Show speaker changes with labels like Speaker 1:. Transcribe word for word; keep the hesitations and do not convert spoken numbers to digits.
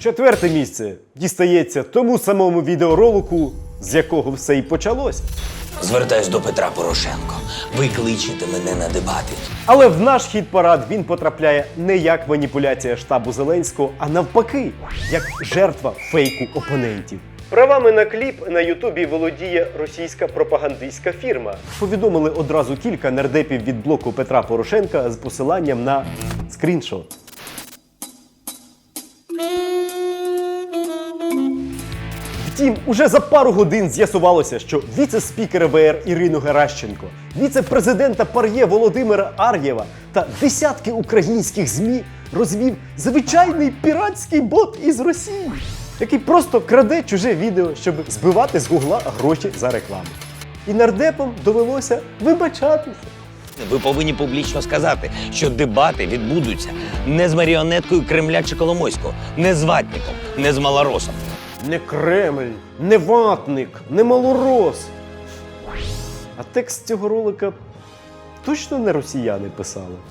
Speaker 1: Четверте місце дістається тому самому відеоролику, з якого все і почалося.
Speaker 2: Звертаюсь до Петра Порошенко. Ви кличете мене на дебати.
Speaker 1: Але в наш хіт-парад він потрапляє не як маніпуляція штабу Зеленського, а навпаки, як жертва фейку опонентів. Правами на кліп на Ютубі володіє російська пропагандистська фірма. Повідомили одразу кілька нардепів від блоку Петра Порошенка з посиланням на скріншот. Втім, уже за пару годин з'ясувалося, що віце-спікер ВР Ірину Геращенко, віце-президента ПАРЄ Володимира Ар'єва та десятки українських ЗМІ розвів звичайний піратський бот із Росії, який просто краде чуже відео, щоб збивати з гугла гроші за рекламу. І нардепам довелося вибачатися.
Speaker 2: Ви повинні публічно сказати, що дебати відбудуться не з маріонеткою Кремля чи Коломойського, не з ватником, не з малоросом.
Speaker 1: Не Кремль, не ватник, не малорос. А текст цього ролика точно не росіяни писали.